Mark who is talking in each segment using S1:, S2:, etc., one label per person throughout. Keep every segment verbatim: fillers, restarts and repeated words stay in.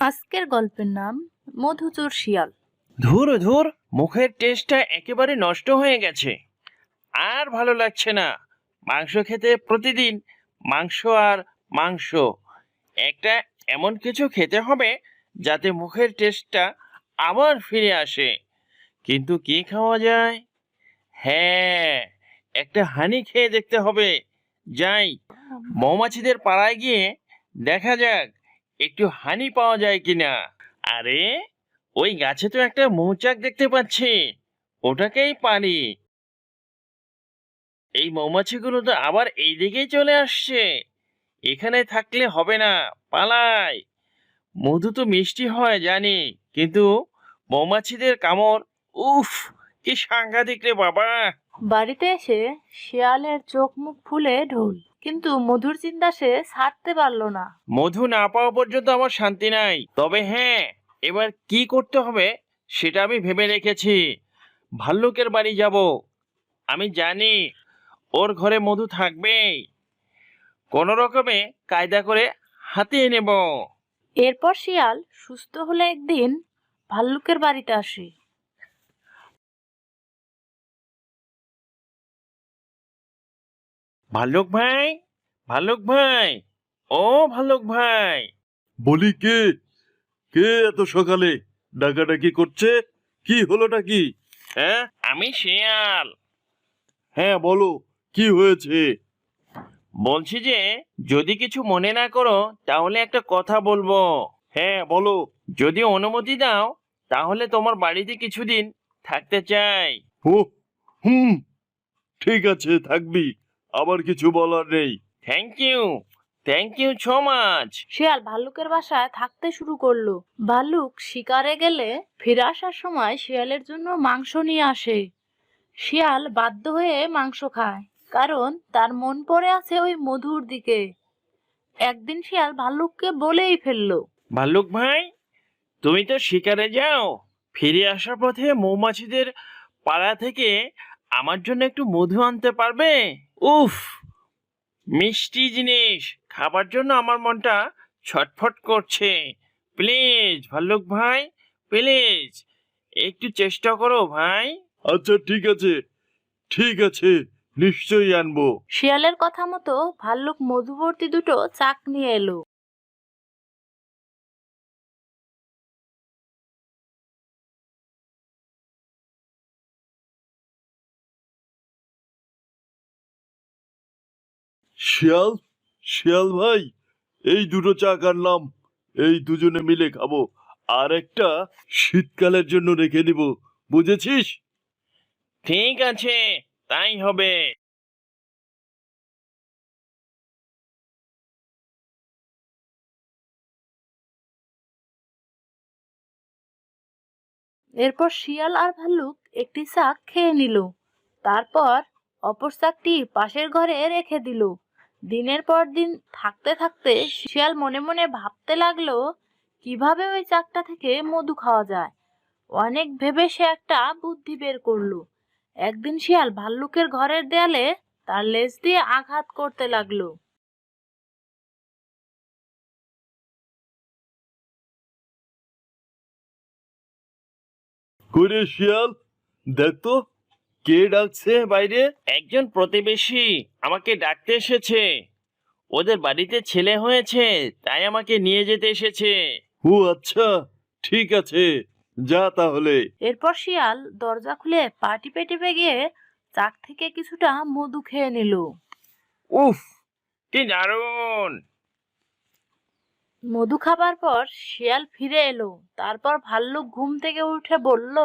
S1: আজকের গল্পের নাম মধুচোর শিয়াল।
S2: ধুর ধুর, মুখের টেস্টটা একেবারে নষ্ট হয়ে গেছে। আর ভালো লাগছে না মাংস খেতে। প্রতিদিন মাংস আর মাংস। একটা এমন কিছু খেতে হবে যাতে মুখের টেস্টটা আবার ফিরে আসে। কিন্তু কি খাওয়া যায়? হ্যাঁ, একটা হানি খেয়ে দেখতে হবে। যাই, মৌমাছিদের পাড়ায় গিয়ে দেখা যাক একটু হানি পাওয়া যায় কিনা। আরে, ওই গাছে তো একটা মৌচাক দেখতে পাচ্ছি, ওটাকেই পারি। এই মৌমাছিগুলো তো আবার এই দিকেই চলে আসছে। এখানে থাকলে হবে না, পালাই। মধু তো মিষ্টি হয় জানি, কিন্তু মৌমাছিদের কামড়, উফ, কি সাংঘাতিক রে বাবা।
S1: বাড়িতে এসে শিয়ালের চোখ মুখ ফুলে ঢোল, কিন্তু মধুর চিন্তা সে ছাড়তে পারলো না।
S2: মধু না পাওয়া পর্যন্ত আমার শান্তি নাই। তবে হ্যাঁ, এবার কি করতে হবে সেটা আমি ভেবে রেখেছি। ভাল্লুকের বাড়ি যাব। আমি জানি ওর ঘরে মধু থাকবেই। কোনো রকমে কায়দা করে হাতিয়ে নেব।
S1: এরপর শিয়াল সুস্থ হলে একদিন ভাল্লুকের বাড়িতে আসে।
S2: ভাল্লুক ভাই, ভাল্লুক ভাই, ও ভাল্লুক ভাই।
S3: বলি, কে কে এত সকালে ডাকাডাকি করছে? কি হলোটা কি?
S2: হ্যাঁ, আমি শিয়াল।
S3: হ্যাঁ, বলো, কি হয়েছে?
S2: বলছি যে, যদি কিছু মনে না করো তাহলে একটা কথা বলবো।
S3: হ্যাঁ, বলো।
S2: যদি অনুমতি দাও তাহলে তোমার বাড়িতে কিছুদিন থাকতে চাই।
S3: ও, হুম, ঠিক আছে, থাকবি। আবার কিছু বলার নেই।
S2: Thank you, thank you so much.
S1: শিয়াল ভাল্লুকের বাসায় থাকতে শুরু করলো। ভাল্লুক শিকারে গেলে ফিরে আসার সময় শিয়ালের জন্য মাংস নিয়ে আসে। শিয়াল বাধ্য হয়ে মাংস খায়, কারণ তার মন পড়ে আছে ওই মধুর দিকে। একদিন শিয়াল ভাল্লুককে বলেই ফেললো,
S2: ভাল্লুক ভাই, তুমি তো শিকারে যাও, ফিরে আসার পথে মৌমাছিদের পাড়া থেকে আমার জন্য একটু মধু আনতে পারবে? উফ, মিষ্টি জিনিস খাবার জন্য আমার মনটা ছটফট করছে। প্লিজ ভাল্লুক ভাই, প্লিজ একটু চেষ্টা করো ভাই।
S3: আচ্ছা, ঠিক আছে, ঠিক আছে, নিশ্চয়ই আনবো।
S1: শিয়ালের কথা মতো ভাল্লুক মধুবর্তী দুটো চাক নিয়ে এলো।
S3: শিয়াল, শিয়াল ভাই, এই দুটো চাক আনলাম। এই দুজনে মিলে খাবো। আর একটা শীতকালের জন্য রেখে দিব, বুঝেছিস?
S2: ঠিক আছে, তাই হবে।
S1: এরপর শিয়াল আর ভাল্লুক একটি চাক খেয়ে নিল। তারপর অপর চাকটি পাশের ঘরে রেখে দিল। দিনের পর দিন থাকতে থাকতে শিয়াল মনে মনে ভাবতে লাগলো কিভাবে ওই চাকটা থেকে মধু খাওয়া যায়। অনেক ভেবে সে একটা বুদ্ধি বের করলো। একদিন শিয়াল ভাল্লুকের ঘরের দেয়ালে তার লেজ দিয়ে আঘাত করতে লাগলো।
S3: করে শিয়াল, দেখ তো, কে ডাকছে বাইরে?
S2: একজন প্রতিবেশী আমাকে ডাকতে এসেছে। ওদের বাড়িতে ছেলে হয়েছে, তাই আমাকে নিয়ে যেতে এসেছে।
S3: ও আচ্ছা, ঠিক আছে, যা তাহলে।
S1: এরপর শিয়াল দরজা খুলে পা টিপে টিপে গিয়ে চাক থেকে কিছুটা মধু খেয়ে নিল।
S2: উফ, কি দারুণ।
S1: মধু খাবার পর শিয়াল ফিরে এলো। তারপর ভাল্লুক ঘুম থেকে উঠে বলল,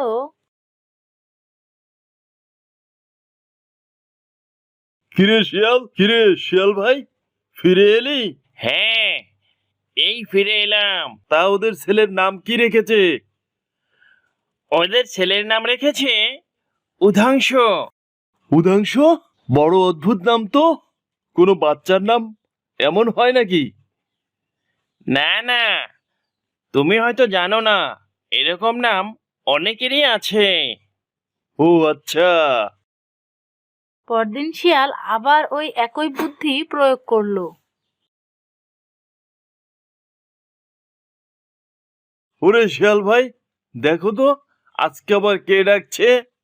S3: কিরে শিয়াল, কিরে শিয়াল ভাই, ফিরে এলি?
S2: হ্যাঁ, এই ফিরে এলাম।
S3: তা ওদের ছেলের নাম কি রেখেছে?
S2: ওদের ছেলের নাম রেখেছে উধাংশ।
S3: উদাংশ? বড় অদ্ভুত নাম তো। কোনো বাচ্চার নাম এমন হয় নাকি?
S2: না না, তুমি হয়তো জানো না, এরকম নাম অনেকেরই আছে।
S3: ও আচ্ছা।
S1: পরদিন শিয়াল আবার ওই একই বুদ্ধি প্রয়োগ করলো।
S3: ওরে শিয়াল ভাই, দেখো তো আজকে আবার কে ডাকছে।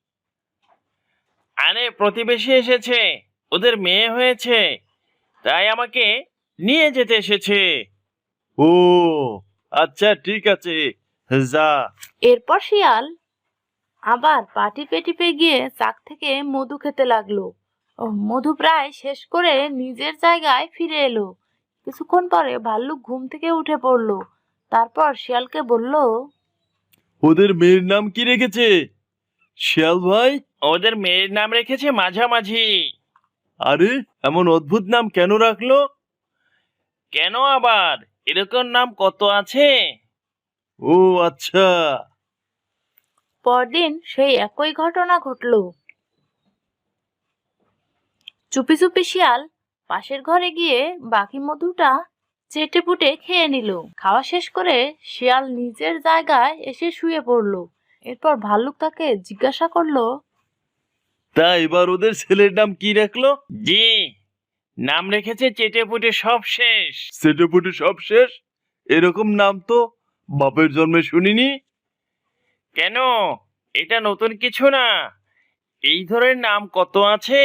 S2: আরে প্রতিবেশী এসেছে, ওদের মেয়ে হয়েছে, তাই আমাকে নিয়ে যেতে এসেছে।
S3: ও আচ্ছা, ঠিক আছে, যা।
S1: এরপর শিয়াল আবার পা টিপে টিপে গিয়ে চাক থেকে মধু খেতে লাগলো। ও মধু প্রায় শেষ করে নিজের জায়গায় ফিরে এলো। কিছুক্ষণ পরে ভাল্লুক ঘুম থেকে উঠে পড়লো। তারপর শিয়ালকে বলল,
S3: ওদের মেয়ের নাম কি রেখেছে শিয়াল ভাই?
S2: ওদের মেয়ের নাম রেখেছে মাঝামাঝি।
S3: আরে এমন অদ্ভুত নাম কেন রাখলো?
S2: কেন আবার, এরকম নাম কত আছে।
S3: ও আচ্ছা।
S1: পরদিন সেই একই ঘটনা ঘটলো। চুপি চুপি শিয়াল পাশের ঘরে গিয়ে বাকি মধুটা চেটে পুটে খেয়ে নিল। খাওয়া শেষ করে শিয়াল নিজের জায়গায় এসে শুয়ে পড়লো। এরপর ভাল্লুক তাকে জিজ্ঞাসা করলো,
S3: তা এবার ওদের ছেলের নাম কি রাখলো?
S2: জি, নাম রেখেছে চেটে পুটে সব শেষ।
S3: সেটেপুটে সব শেষ? এরকম নাম তো বাপের জন্মে শুনিনি।
S2: কেন, এটা নতুন কিছু না, এই ধরনের নাম কত আছে।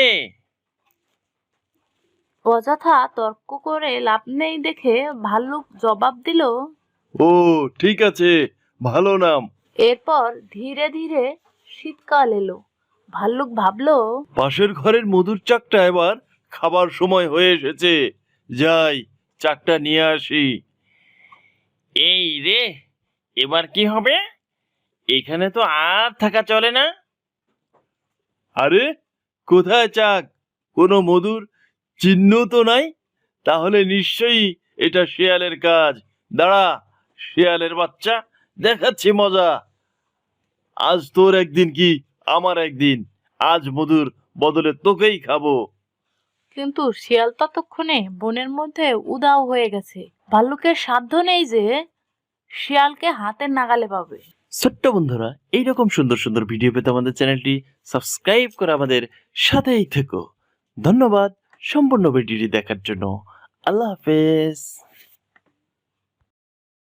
S1: অযথা তর্ক করে লাভ নেই দেখে ভাল্লুক জবাব দিল।
S3: ও ঠিক আছে, ভালো নাম।
S1: এরপর ধীরে ধীরে শীতকাল এলো। ভাল্লুক ভাবলো,
S3: পাশের ঘরের মধুর চাকটা এবার খাবার সময় হয়ে এসেছে, যাই চাকটা নিয়ে আসি।
S2: এই রে, এবার কি হবে, এখানে তো আর থাকা চলে না।
S3: আরে কোথায় চাক? কোনো মধুর চিহ্ন তো নাই। তাহলে নিশ্চয়ই এটা শেয়ালের কাজ। দাঁড়া শেয়ালের বাচ্চা, দেখাচ্ছি মজা। আজ তোর একদিন কি আমার একদিন, আজ মধুর বদলে তোকেই খাবো।
S1: কিন্তু শিয়াল ততক্ষণে বনের মধ্যে উধাও হয়ে গেছে। ভাল্লুকের সাধ্য নেই যে শিয়ালকে হাতের নাগালে পাবে।
S2: ছোট্ট বন্ধুরা, এইরকম সুন্দর সুন্দর ভিডিও পেতে আমাদের চ্যানেলটি সাবস্ক্রাইব করে আমাদের সাথেই থেকো। ধন্যবাদ সম্পূর্ণ ভিডিওটি দেখার জন্য। আল্লাহ হাফেজ।